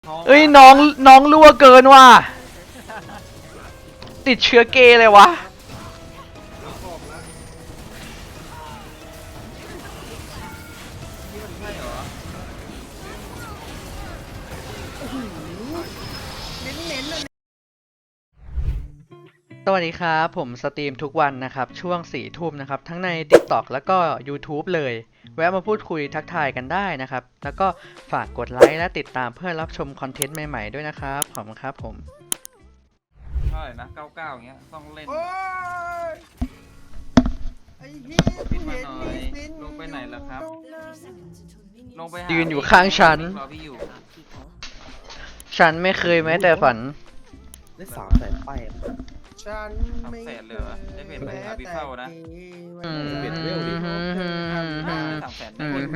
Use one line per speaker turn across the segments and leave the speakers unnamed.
เอ้ยน้องรั่วเกินว่ะติดเชื้อเกย์เลยวะสวัสดีครับผมสตรีมทุกวันนะครับช่วง4 ทุ่มนะครับทั้งใน TikTok แล้วก็ YouTube เลยแวะมาพูดคุยทักทายกันได้นะครับแล้วก็ฝากกดไลค์และติดตามเพื่อรับชมคอนเทนต์ใหม่ๆด้วยนะครับขอบคุณครับผม
เท่าไหร่นะ99อย่างเงี้ยต้องเล่น
โอ้ยไอ้เหี้ย
ปิดมาหน่อยลงไปไหนล่ะครับลงไปหา
ยืนอยู่ข้างฉัน
รอพี่อยู่
ฉันไม่เคยแม้แต่ฝัน
ได้300,000ป้าย
ฉันไม่
300,000เลยเหรอได้เป็นไปหาพี่เข้านะ
เปลี่ยนเวลดิ
300,000ได้เป็น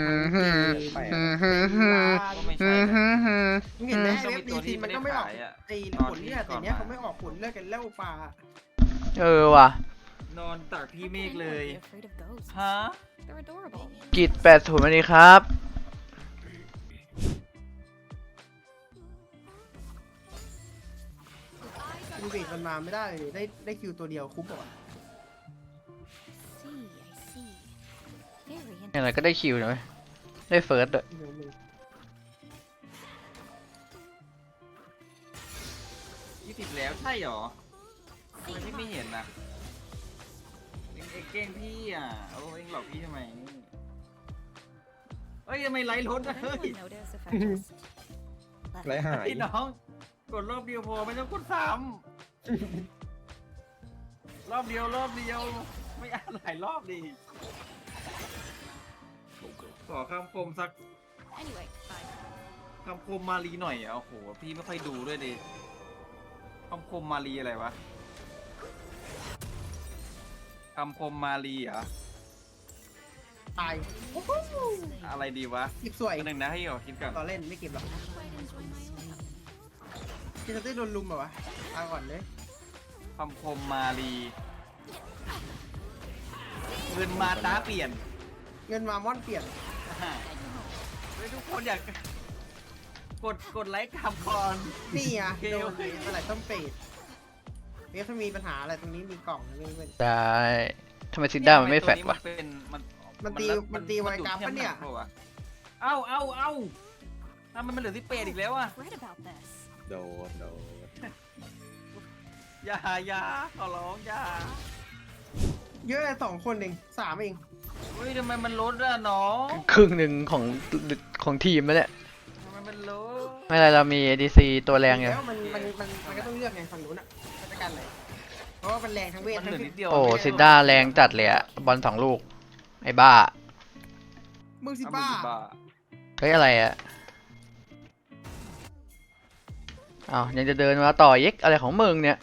ก็ไม่ใช่นะ
มึงเห็นไหม
ต้อง
เว็
มี
บ
ตัว
ดี
ที่
ซี
ไม่
มัน
ได้
ก็ไม่ออก
ขายอ่ะ
ไอ้ผลเลือดแต่เนี้ยเขาไม่ออกผลเลือดกันแล้วปลาน
ว่ะ
นอนตากพี่เมฆเลยฮะ
กิจ80สวัสดีครับ
ดูเบรกมันมาไม่ได้เลยได้คิวตัวเดียวคุ้มป่ะ
อย่างไรก็ได้คิวนะได้เฟิร์สด้วย
20แล้วใช่หรอทำไมพี่ไม่เห็นนะเอ็งเก้งพี่อ่ะโอ้เอ็งหลอกพี่ทำไมเอ้ยทำไมไลฟ์รถอะเฮ้ย
ไรหาย
พี่น้องกดรอบเดียวพอไม่ต้องกดซ้ำรอบเดียวไม่อ่านหลายรอบดีขอคำคมสักคำคมมารีหน่อยอ่ะโอ้โหพี่ไม่ค่อยดูด้วยดิคำคมมารีอะไรวะคำคมมารีเหรอ
ตาย
อะไรดีวะ
เก็บสวย
อันหนึ่งนะให้ขอคิดก่อน
ต่อเล่นไม่เก็บหรอกพี่จะได้โดนลุมแบบวะตายก่อนเลย
คำคมมารีเงินมาตาเปลี่ยน
เงินมาม่อนเปลี่ยน
เฮ้ยทุกคนอยากกดไลค์คำก่อน
นี่อ่ะ
เกล
โดนอะไรต้องเปรตเว็บถ้ามีปัญหาอะไรตรงนี้มีกล่องนะเพื่อน
ได้ทำไมซินด้ามันไม่แฟดวะ
มันตีไวกราฟปะเนี่ย
เอ้าทำไมมันเหลือที่เปรตอีกแล้วอ่ะ
โดน
อย่าขอร้องอย่า
เยอะเลย2 คนเอง3เอง
เฮ้ยทำไมมันลดอ่ะน้อง
ครึ่งหนึ่งของทีมแล้วเนี่ย
ทำไมมันลด
ไม่เป็นไรเรามี ADC ตัวแรงอยู่
แล้วมันก็ต้องเลือกไงฝั่งนู้นอ่ะราชการอะไรเพราะว่ามันแรงทั้งเวท
มัน
ทั้
เห
ง
ลือนิดเดียว
โอ้ซินด้าแรงจัดเลยอะบอล2 ลูกไอ้บ้า
มึงสิ
เอา
บ้า
มือบ้า
เฮ้ยอะไรอะอ้าวยังจะเดินมาต่อเย็กอะไรของมึงเนี่ย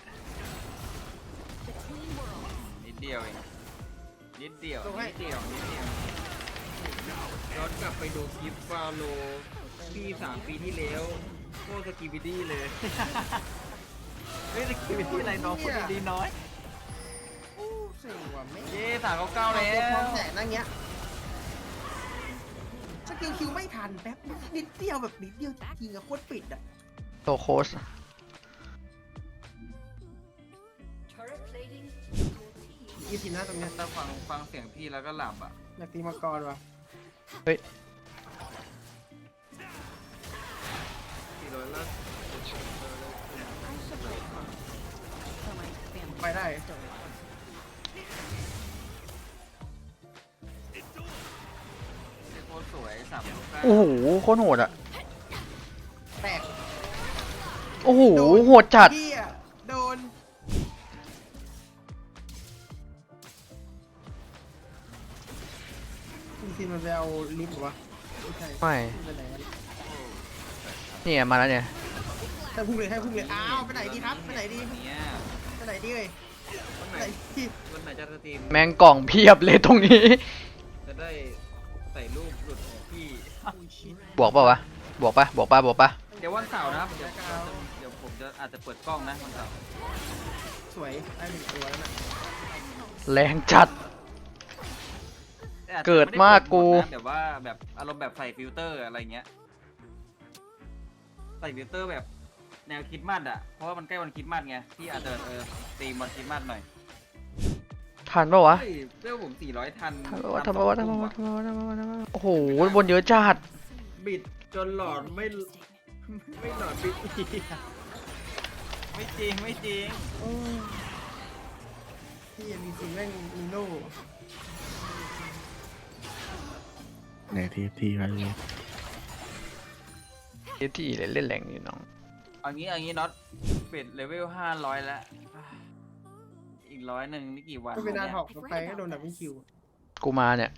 นิดเดียวเองนิดเดียวย้อนกลับไปดูคลิปฟาโลพี่3 ปีที่แล้วโคตรสกีบิดี้เลยเฮ้ยสกีบิดี้อะไรน้องพูดดีๆน้อย
เสียว่ะไม่
เย้399แล้ว
พร้อมแสนนั่งเงี้ยสกิลคิวไม่ทันแป๊บนิดเดียวแบบนิดเดียวจริงๆอะโคตรปิดอะ
โตโค้ช
ยี่สิบหน้าตรงเนี้ย
ถ้าฟังเสียงพี่แล้วก็หลับอ่ะ
อยากตีมังกรวะ
เฮ้ย
400แล้ว
ไปได้
โคตรสวย399
โอ้โหโคตรโหดอะ
แตก
โอ้โหโหดจัด
เหี้ยโดนจริงๆมันไปเอาลิฟต์เหรอวะไม่ใช่
ไม่
ไปไหนวะ
เนี่ยมาแล้วเนี่ย
ให้พุ่งเลยอ้าวไปไหนดีครับไปไหนดี
เนี่ย
ไปไหนดีเอ่ย
วัน
ไป
ไหน
ไหนดี
วันไหนจะสตรีม
แมงกล่องเพียบเลยตรงนี้
จะได้ใส่รูปหลุดของพี่
อุ้ยชิต
บวกเปล่าวะบวกปะ
เดี๋ยววันเสาร์นะครับเดี๋ยวผมจะอาจจะเปิดกล้องนะวันเสาร์
สวยได้1 ตัวแล้วน่ะ
แรงจัด
แต่อาจจะ
เกิดมากกู
ไได้เปิดหดนะแบบว่าแบบอารมณ์แบบใส่ฟิลเตอร์อะไรเงี้ยใส่ฟิลเตอร์แบบแนวคริดมัดอ่ะเพราะว่ามันใกล้วันคริดมัดไงพี่อาจจะตีมวันคริดมัดหน่อย
ทันปะวะ
เฮ้ยเรื่องผม400ทัน
ทันปะวะโอ้โหบนเยอะจัด
บิดจนหลอดไม่หลอดบิดอีกไม่จริงไม่จริง
โอ้ยที่ยังมีจริงแม่งมีโน่
ไหนทีไปเลย
ที่เล่นแรงนี่น้อง
เอางี้น็อตเป็ดเลเวล500แล้วอีก100นี่กี่วัน
ก็เป็นอา
เนี่ย
ถอกไปก็โดนดับเบิลคิว
กูมาเนี่ย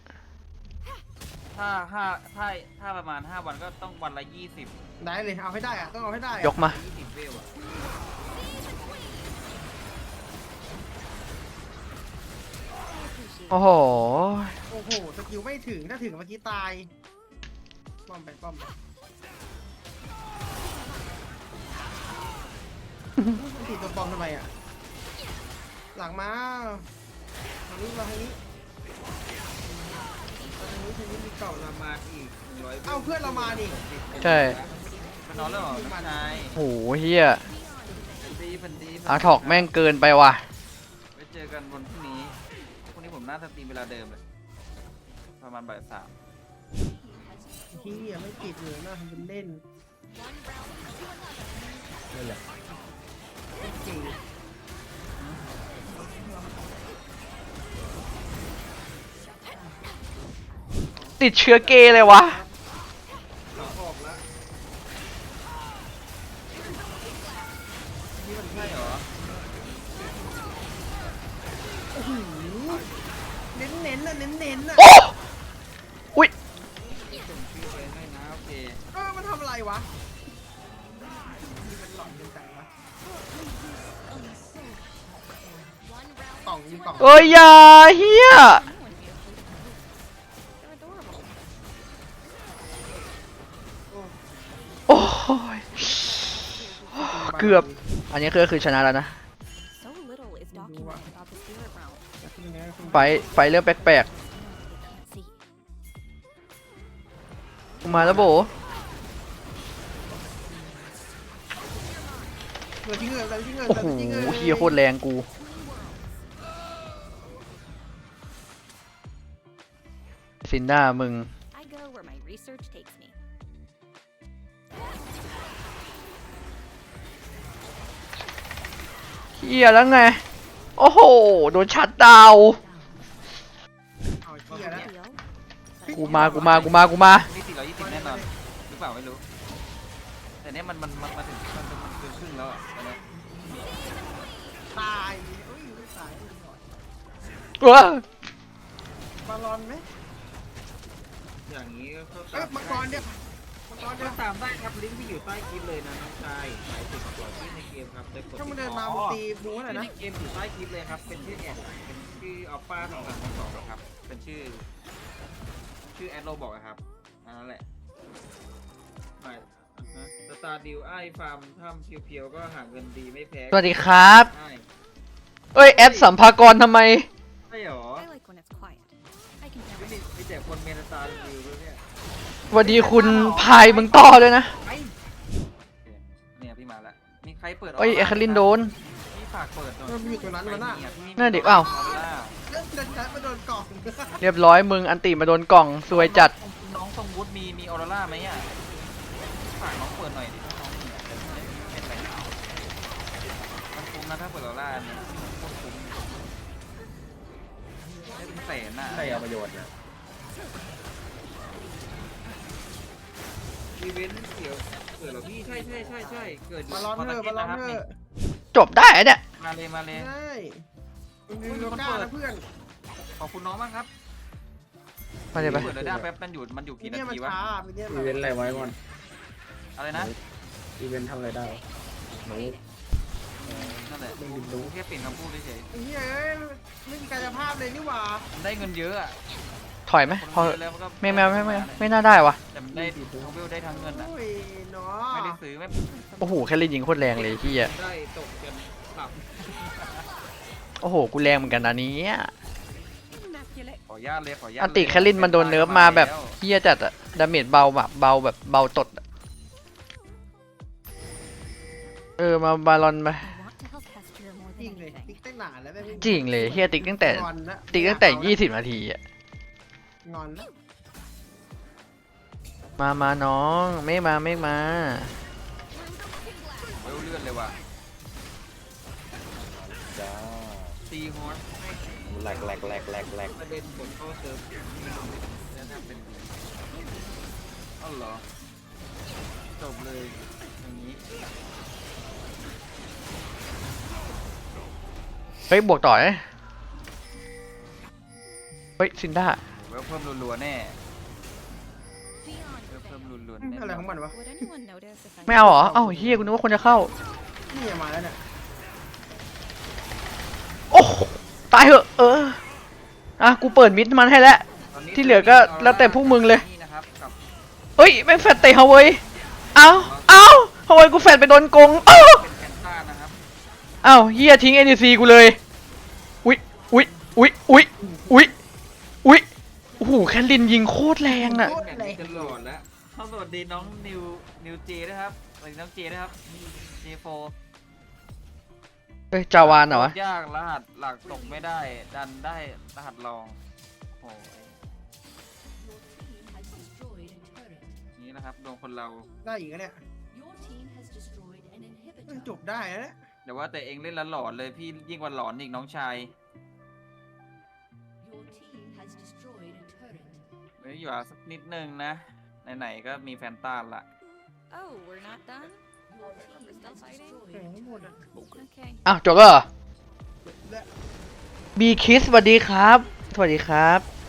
ถ้าประมาณ5วันก็ต้องวันละ20
ได้เลยเอาให้ได้อะต้องเอาให้ได้อะ
ยกมา
20เวลอะ
โอ้โห
โอ้โหสกิลไม่ถึงถ้าถึงเมื่อกี้ตายป้อมไปป้อมไปติดตัวปลอมทำไมอ่ะหลังมาทางนี้มาทางนี้มีเก่า
ป
ละ
ระมาณอีก100
เอ้าเพื่อนเรามาดิ
ใช่
มันนอนแล้วเหรอน้องชาย
โอ้โหเฮีย
พันดี
อาถอกแม่งเกินไปว่ะ
ไว้เจอกันวันพรุ่งนี้ผมน่าจะตีเวลาเดิมเลยประมาณบ่าย 3
ที่ไม่ติดเลยน่าทำเป็นเล่น
นั่นแหละ
จริง
ติดเชื้อเกย์เลยวะ
ออกแล้ว
นี่มัน
ใช่เหรอ
โอ้โหเน้นเน้นๆน่ะเน้นเน้นๆน่ะ
โอ้อุ้ย
ส่งชื่อไปให้นะโอเค
มันทำอะไรวะนี่มันหลอนจังจังวะกล่องยิงกล่อง
เอ้ยอย่าเฮียโอ้ยเกือบ อันนี้คือชนะแล้วนะ
So little is documented about the spirit realm.
ไฟเรื่องแปลก
They can't see.
ๆ มาแล้วโบ
เงินที่เงินอะไรที่เงิน
โอ้โหเฮียโคตรแรงกู ซินด้ามึง
I go where my research takes me.
เฮียแล้วไง โอ้โห โดนชัดดาวน์
เอาเหี้ยแล้ว
Deal?
กูมา
นี่420แน่นอนหรือเปล่าไม่รู้ แต่เนี้ยมันมาถึงมันเกินครึ่งแล้วอ่ะตอนเนี้ย
ตายเอ้ยไม่ตายไม่หน่อย
ว้า
บอลลอนไหม
อย่างนี้ก็
เอ้ยมังกรเนี่ยมังกรเนี่
ก็
ย
ตามได้ครับลิงก์ที่อยู่ใต้คลิปเลยนะน้องชายหมายถึงตัวที่ในเกมครับได้กด
ถ้ามันเดินมามันตีบูอะไร
ใน
นะ
เกมอยู่ใต้คลิปเลยครับ เป็นชื่อแอดเป็นชื่ออัลฟา232ครับ เป็นชื่อแอดโรบอกอะครับอันนั้นแหละสตาร์ดิวไอ้ฟาร์มถ้ำเพียวๆก็หาเงินดีไม่แพ้
สวัสดีครับ
ใช่
เอ้ย แอดสัมภากรทำไม
ใช่หรอ
I like when it's quiet. I can
ไม่
never.
มีแต่คนเมนสตาร์ดิวด้วยเนี่ย
สวัสดีคุณพายมึงต่อด้วยนะ
ไปเนี่ยพี่มาแล้วมีใครเปิด
เอ้ยแอคลินโดน
พี่ฝากเปิดหน่อย
มันอยู่ตรงนั้นมันน่ะ
นั่นดิอ้าว
เล่นดันชัดมาโดนกล่อง
เรียบร้อยมึงอันติมาโดนกล่องซวยจัด
น้องทรงวุฒิมีออโรร่าไหมอ่ะฝากน้องเปิดหน่อยดิถ้าน้องมีอ่ะจะได้ไม่เป็นไรมันคุ้มนะถ้าเปิดออโรร่าเนี่ยโคตรคุ้มได้เป็นแสนน่ะ
ใครเอาประโยชน์นะ
อีเวนต์เกี่ยวเกิดเหรอพี่ใช่เกิด
บอลลอนเถอะบอลลอนเถอะ
จบได้อะเนี่ย
มาเลย
ใช่มันมีโลก้านะเพื่อน
ขอบคุณน้องมากครับ
มาเลยไป
เปิดเลยได้แป๊บมันอยู่
มี
กี่นา
เนี่ยมัน
ทีวะ
ช้ามีเนี่ย
อีเวนต์อะไรไว้ก่อน
อะไรนะ
อีเวนต์ทำอะไรได้หนู
นั่นแหละ
ไม่รู้
แค่เปลี่ยนคำพูดเฉย
ไอ้เหี้ยเอ้ยไม่มีกายภาพเลยนี่หว่า
ๆได้เงินเยอะอ่ะ
ถอยไหมพอ
คนเยอะแล้วนก็
ไม่น่าได้วะ
แต่มันได้ทั้งเวลได้ทั้งเงินอ่ะ
โอ้ยเนาะ
ไม่ได้ซื้อไม่
โอ้โหแค่ลินยิงโคตรแรงเลยที่อ่ะ
ได้ตกกันหลับ
โอ้โหกูแรงเหมือนกันนะเนี้ย
Immaculate.
ขออนุญาตเลยขออนุญาต
อันติแคลินมันโดนเนิร์ฟมาแบบเฮียจัดอะดาเมจเบาแบบเบาแบบเบาตดอะมาบาลอนไป
I want to help Hester more
จริ
than
งเลย
anything.
ติ๊กตั้งนานแล้วแม่ง
จริงเลยเฮียติ๊กตั้งแต่
งอนละ
ติ๊กตั้งแต่20 นาทีอะ
งอนละ
มาน้องไม่มา
เวลเลื่อนเลยว่ะ
จ้า
ตีฮอตให้
แหลก
ประเด็นผลเข้าเซิร์ฟแล้วทำเป็นดีอ้าวเหรอจบเลยอย่างนี้
เฮ้ยบวกต่อเลยเฮ้ยซินด้า
เวลเพิ่มรัวๆแน่
Beyond
เวลเพิ่ม
perfection.
รัวๆแน่
อะไรของมันวะ
Would anyone notice if I
ไม่เอาเหรอ เอ้าเฮียกูนึกว่าคนจะเข้า
นี่มาแล้วเนี่ย
โอ้โหตายเหอะอ่ะกูเปิดมิดมันให้แล้ว
ตอนนี้
ที่เหลือก็แล้วแต่พวกมึงเลย
นี่นะครับกับ
เฮ้ยแม่งแฟดเตะเฮาเว้ยเอ้าเฮาเว้ยกูแฟดไปโดนโกง
เป็นแคนต้านะครับ
เอ้าเฮียทิ้ง NC กูเลยอุ๊ยโอ้โหแคทลินยิงโคตรแรงอ่ะ
แข่งนี้จะหลอนแล้วสวัสดีน้องนิวเจนะครับสวัสดีน้องเจนะครับเจโฟ
เอ้ยจาวานเหรอวะ
ยากรหัสหลักตกไม่ได้ดันได้รหัสรองโอ้ยนี่นะครับดวงคนเรา
ได้อีกแล้วเนี่ยจบได้แล้วเนี่ย
แต่ว่าแต่เองเล่นแล้วหลอนเลยพี่ยิ่งกว่าหลอนอีกน้องชายเฮ้ยอยู่อ่ะสักนิดนึงนะไหนๆก็มีแฟนตาละ
Oh, we're not done? We're still fighting?
แข่งหมดอ่ะ
Okay.
อ้าวจบแล้วเหรอ
และ
บีคิสสวัสดีครับ สวัสดีครับ